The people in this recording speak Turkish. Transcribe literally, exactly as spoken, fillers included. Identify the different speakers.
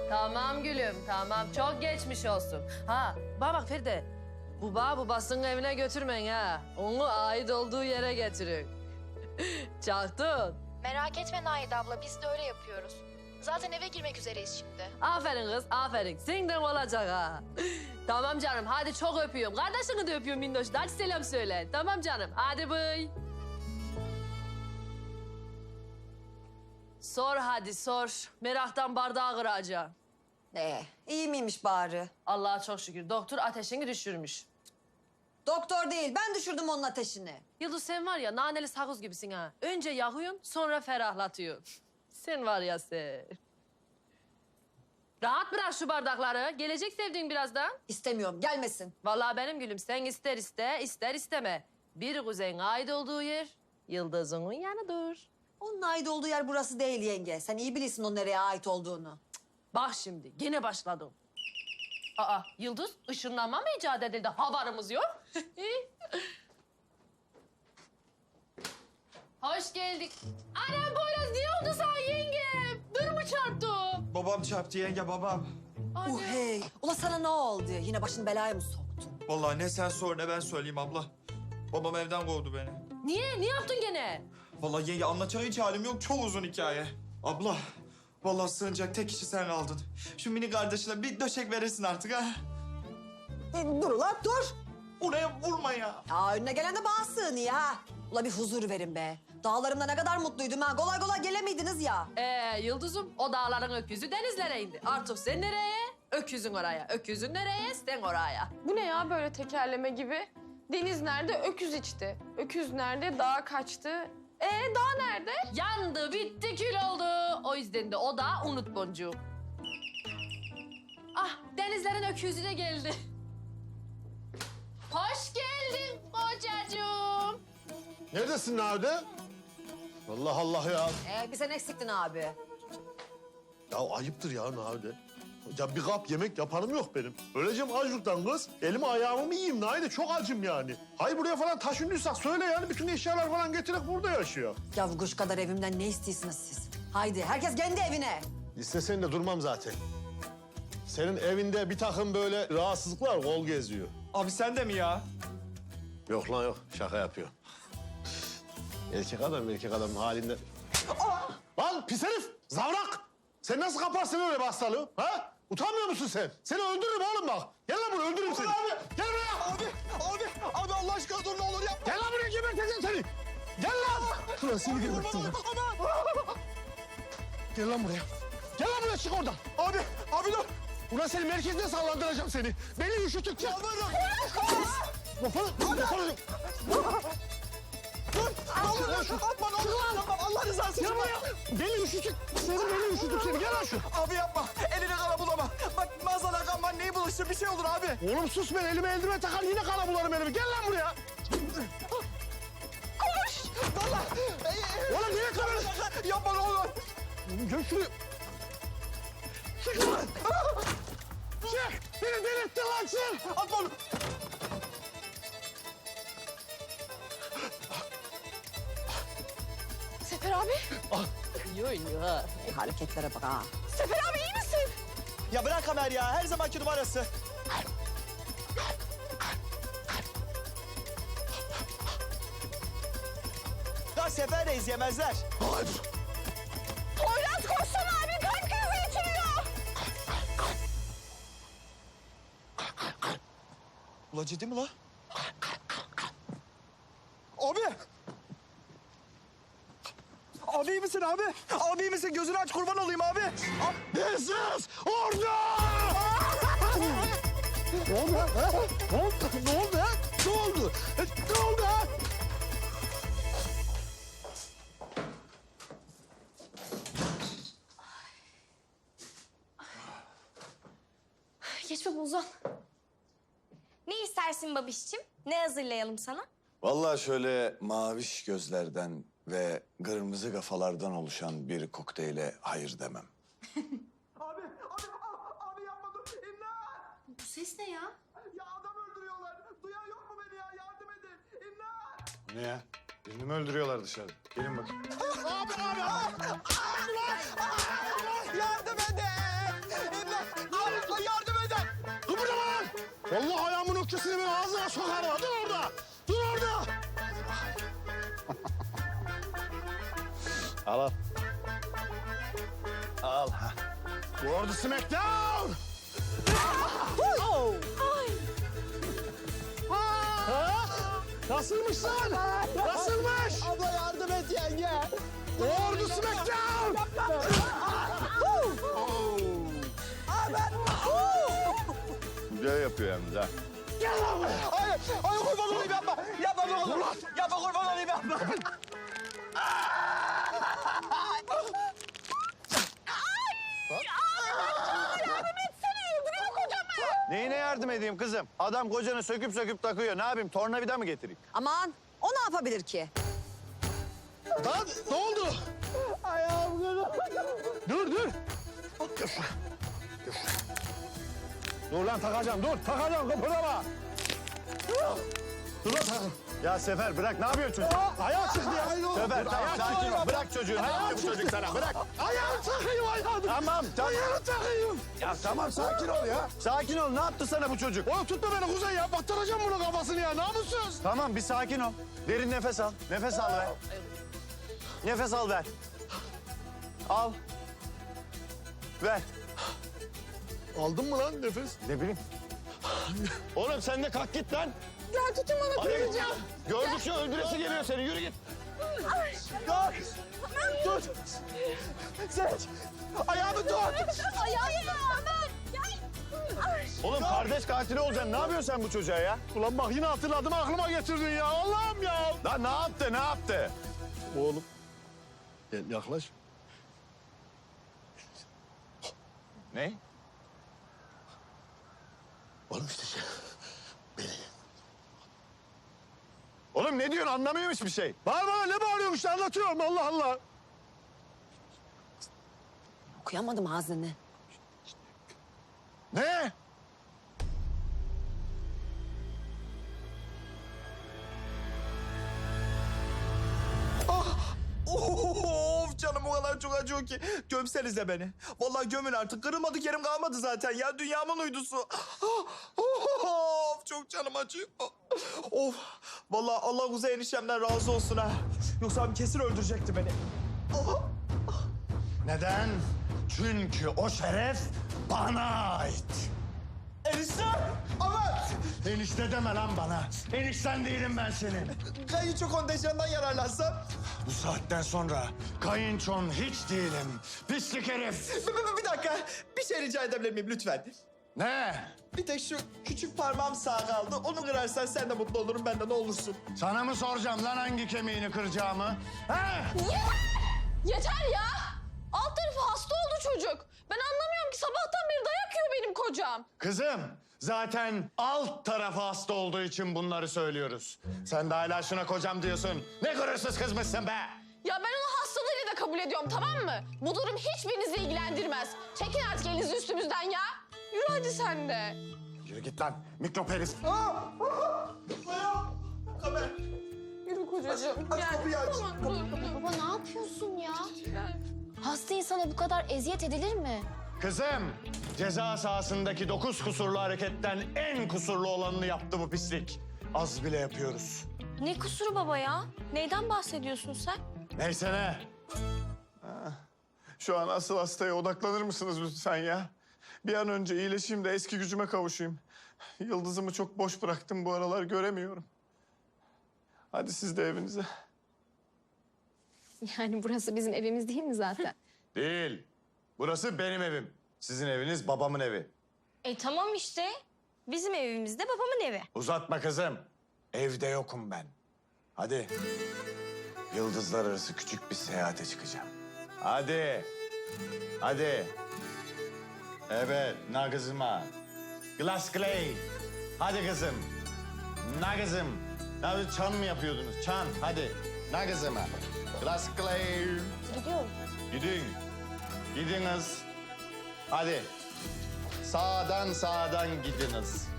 Speaker 1: Tamam gülüm, tamam. Çok geçmiş olsun. Ha, bana bak Feride. Bu bağı bu basın evine götürmeyin ha. Onu ait olduğu yere getirin. Çaktın.
Speaker 2: Merak etme Naide abla, biz de öyle yapıyoruz. Zaten eve girmek üzereyiz şimdi.
Speaker 1: Aferin kız, aferin. Senden olacak ha. Tamam canım, hadi çok öpüyorum. Kardeşini de öpüyorum Minnoş. Hadi selam söyle. Tamam canım, hadi bıy. Sor hadi sor. Meraktan bardağı kıracağım.
Speaker 3: Ee, iyi miymiş bari?
Speaker 1: Allah'a çok şükür. Doktor ateşini düşürmüş.
Speaker 3: Doktor değil, ben düşürdüm onun ateşini.
Speaker 1: Yıldız sen var ya naneli sakız gibisin ha. Önce yakıyorsun sonra ferahlatıyorsun. Sen var ya sen. Rahat bırak şu bardakları. Gelecek sevdiğin birazdan.
Speaker 3: İstemiyorum, gelmesin.
Speaker 1: Vallahi benim gülüm sen ister iste ister isteme. Bir kuzeyin ait olduğu yer Yıldız'ın yanıdır.
Speaker 3: Onun ait olduğu yer burası değil yenge. Sen iyi bilirsin o nereye ait olduğunu.
Speaker 1: Bak şimdi gene başladım. Aa Yıldız ışınlanma mı icat edildi? Haberimiz yok. Hoş geldik. Anam Poyraz niye oldu sana yengem? Dur mu çarptı?
Speaker 4: Babam çarptı yenge babam.
Speaker 1: Anne.
Speaker 3: Uh hey, ula sana ne oldu? Yine başını belaya mı soktun?
Speaker 4: Vallahi ne sen sor ne ben söyleyeyim abla. Babam evden kovdu beni.
Speaker 1: Niye? Ne yaptın gene?
Speaker 4: Vallahi yenge anlatacak hiç halim yok. Çok uzun hikaye. Abla, vallahi sığınacak tek kişi sen aldın. Şu mini kardeşine bir döşek verirsin artık ha.
Speaker 3: E, dur ula dur.
Speaker 4: Oraya vurma ya.
Speaker 3: Ya önüne gelen de bağ sığınıyor ha. Ula bir huzur verin be. Dağlarımda ne kadar mutluydum ha. Kolay kolay gelemiydiniz ya.
Speaker 1: Ee Yıldız'ım o dağların öküzü denizlere indi. Artık sen nereye? Öküzün oraya. Öküzün nereye? Sen oraya.
Speaker 5: Bu ne ya böyle tekerleme gibi? Deniz nerede? Öküz içti. Öküz nerede? Dağ kaçtı. Ee dağ nerede?
Speaker 1: Yandı, bitti, kül oldu. O yüzden de o da unut boncuğum. Ah, denizlerin öküzü de geldi. Hoş geldin kocacığım.
Speaker 6: Neredesin Nade? Allah Allah ya.
Speaker 3: Ee, bir sen eksiktin abi.
Speaker 6: Ya ayıptır ya Nade. Ya bir kap yemek yapanım yok benim. Öleceğim açlıktan kız. Elimi ayağımı mı yiyeyim Nade? Çok acım yani. Hayır buraya falan taşındıysak söyle yani. Bütün eşyalar falan getirerek burada yaşıyor.
Speaker 3: Ya kuş kadar evimden ne istiyorsunuz siz? Haydi herkes kendi evine.
Speaker 6: İstesen de durmam zaten. Senin evinde bir takım böyle rahatsızlıklar kol geziyor.
Speaker 4: Abi sen de mi ya?
Speaker 6: Yok lan yok. Şaka yapıyor. Erkek adam erkek adam halinde. Lan pis herif! Zavrak! Sen nasıl kaparsın öyle bir hastalığı? Ha? Utanmıyor musun sen? Seni öldürürüm oğlum bak. Gel lan buraya öldürürüm seni. Abi! Gel buraya!
Speaker 4: Abi, abi, abi Allah aşkına dur ne olur yapma.
Speaker 6: Gel lan buraya geberteceğim seni. Gel lan! Ulan seni geberteceğim. Gel lan buraya. Gel lan buraya çık oradan.
Speaker 4: Abi, abi dur.
Speaker 6: Ulan seni merkezde sallandıracağım seni. Beni üşütükçe.
Speaker 4: Yalvarırım.
Speaker 6: Lafını, lafını.
Speaker 4: Dur, ne olur lan şu. Atma ne olur yapma. Allah rızası için.
Speaker 6: Gel buraya. Beni üşütük. Seni beni üşütük seni. Gel lan şu.
Speaker 4: Abi yapma. Elini kana bulama. Bak maazallah kan var neyi bulaştır bir şey olur abi.
Speaker 6: Oğlum sus ben elime eldiven takar yine kana bularım elimi. Gel lan buraya.
Speaker 4: Koş. Valla.
Speaker 6: Oğlum niye kamerası?
Speaker 4: Yapma ne olur.
Speaker 6: Oğlum gel şuraya. Çık lan. Çık. Beni delirttin lan çık.
Speaker 4: Atma onu.
Speaker 5: Sefer abi.
Speaker 1: Yo yo ha.
Speaker 3: E, hareketlere bak ha.
Speaker 5: Sefer abi iyi misin?
Speaker 4: Ya bırak Kamer ya. Her zamanki numarası. Ya Sefer'deyiz yemezler.
Speaker 6: Hayır.
Speaker 5: Poyraz koşsana abi kalp krizi geçiriyor.
Speaker 4: Ulan ciddi mi la? Abi! Abi iyi misin abi? Abi iyi misin? Gözünü aç kurban olayım abi.
Speaker 6: Hırsız! Orada! Ne oldu ha? Ne oldu? Ne oldu ha? Ne oldu? Ne oldu ha?
Speaker 2: Geç baba uzan. Ne istersin babişçim? Ne hazırlayalım sana?
Speaker 7: Vallahi şöyle maviş gözlerden ve kırmızı kafalardan oluşan bir kokteyle hayır demem.
Speaker 4: Abi, abi, abi yapma dur. İmdat!
Speaker 2: Bu ses ne ya?
Speaker 4: Ya adam öldürüyorlar. Duyan yok mu beni ya? Yardım edin. İmdat!
Speaker 6: Ne ya? Birini mi öldürüyorlar dışarıda? Gelin bakayım.
Speaker 4: Abi, abi, abi! Yardım edin!
Speaker 6: Vallahi ayağımın ökçesini ben ağzına sokarım. Dur orada. Dur orada. al al. Al. Gordy Smackdown. Ha? Nasılmış lan? Nasılmış? Abla yardım et yenge. Gordy Smackdown. Güzel yapıyor yalnız ha.
Speaker 4: Gel lan buraya. Hayır, hayır kurban olayım yapma. Yapma ne olur. Yapma kurban olayım yapma.
Speaker 7: Neyine yardım edeyim kızım? Adam kocanı söküp söküp takıyor. Ne yapayım? Tornavida mı getireyim?
Speaker 3: Aman o ne yapabilir ki?
Speaker 6: Lan ne oldu? Ayağım kırıldı. Dur dur. Dur lan takacağım dur. Takacağım kıpırdama. Dur lan takın.
Speaker 7: Ya Sefer bırak. Ne yapıyorsun çocuk?
Speaker 6: Ayağı çıktı ya.
Speaker 7: Sefer tamam sakin ol. Bırak çocuğu. Ne yapıyor bu çocuk sana? Bırak.
Speaker 6: Ayağını takayım ayağını.
Speaker 7: Tamam tamam.
Speaker 6: Ayağını takayım.
Speaker 7: Ya tamam sakin ol ya. Sakin ol. Ne yaptı sana bu çocuk?
Speaker 6: Oğlum tutma beni Kuzey ya. Battıracağım bunun kafasını ya. Namussuz.
Speaker 7: Tamam bir sakin ol. Derin nefes al. Nefes al ver. Nefes al ver. Al. Ver.
Speaker 6: Aldın mı lan nefes?
Speaker 7: Ne bileyim. Oğlum sen de kalk git lan.
Speaker 5: Ya tutun bana
Speaker 7: Hadi git.
Speaker 5: kıracağım.
Speaker 7: Gördükçe öldüresi geliyor seni. Yürü git.
Speaker 4: Dur. Seç. Ayağımı tut.
Speaker 7: Oğlum kardeş katili olacaksın. Ne yapıyorsun sen bu çocuğa ya?
Speaker 6: Ulan bak yine hatırladım aklıma getirdin ya. Allah'ım ya.
Speaker 7: Lan ne yaptı? Ne yaptı?
Speaker 6: Oğlum. Gel yaklaş.
Speaker 7: Ne?
Speaker 6: Oğlum işte şey.
Speaker 7: Oğlum ne diyorsun? Anlamıyormuş bir şey.
Speaker 6: Bağırma ne bağırıyorsun işte anlatıyorum Allah Allah.
Speaker 3: Okuyamadım ağzını.
Speaker 7: Ne?
Speaker 4: Of canım o kadar çok acıyor ki. Gömsenize beni. Vallahi gömün artık. Kırılmadık yerim kalmadı zaten ya. Dünyamın uydusu. Of çok canım acıyor. Of. Vallahi Allah Kuzey eniştemden razı olsun ha. Yoksa abim kesin öldürecekti beni.
Speaker 6: Neden? Çünkü o şeref bana ait.
Speaker 4: Eniştem! Aman!
Speaker 6: Enişte deme lan bana. Enişten değilim ben senin.
Speaker 4: Kayınço kontenjanından yararlansam.
Speaker 6: Bu saatten sonra kayınçon hiç değilim. Pislik herif.
Speaker 4: Bir, bir, bir dakika. Bir şey rica edebilir miyim lütfen?
Speaker 6: Ne?
Speaker 4: Bir tek şu küçük parmağım sağ kaldı. Onu kırarsan sen de mutlu olurum. Ben de ne olursun.
Speaker 6: Sana mı soracağım lan hangi kemiğini kıracağımı? He?
Speaker 5: Yeter ya. Alt tarafı hasta oldu çocuk. Ben anlamıyorum ki sabahtan beri dayak yiyor benim kocam.
Speaker 6: Kızım, zaten alt tarafı hasta olduğu için bunları söylüyoruz. Sen de hala şuna kocam diyorsun. Ne gurursuz kızmışsın be!
Speaker 5: Ya ben onu hastalığıyla da kabul ediyorum tamam mı? Bu durum hiçbirinizi ilgilendirmez. Çekin artık elinizi üstümüzden ya. Yürü hadi sen de.
Speaker 6: Yürü git lan, mikrop herif.
Speaker 4: Kamer.
Speaker 5: Yürü kocacığım.
Speaker 4: Aç
Speaker 5: Gel.
Speaker 4: kapıyı aç.
Speaker 5: Tamam dur dur.
Speaker 2: Baba ne yapıyorsun ya?
Speaker 5: Gel.
Speaker 2: Hasta insana bu kadar eziyet edilir mi?
Speaker 6: Kızım, ceza sahasındaki dokuz kusurlu hareketten en kusurlu olanını yaptı bu pislik. Az bile yapıyoruz.
Speaker 8: Ne kusuru baba ya? Neyden bahsediyorsun sen?
Speaker 6: Neyse ne? Şu an asıl hastaya odaklanır mısınız lütfen ya? Bir an önce iyileşeyim de eski gücüme kavuşayım. Yıldızımı çok boş bıraktım bu aralar, göremiyorum. Hadi siz de evinize.
Speaker 8: Yani burası bizim evimiz değil mi zaten?
Speaker 7: Değil. Burası benim evim. Sizin eviniz babamın evi.
Speaker 8: e tamam işte. Bizim evimizde babamın evi.
Speaker 7: Uzatma kızım. Evde yokum ben. Hadi. Yıldızlar arası küçük bir seyahate çıkacağım. Hadi. Hadi. Evet, na kızıma. Glass clay. Hadi kızım. Na kızım. Ya çan mı yapıyordunuz? Çan. Hadi. Na kızıma. Glass clay.
Speaker 8: Gidiyorum.
Speaker 7: Gidin. Gidiniz. Hadi. Sağdan sağdan gidiniz.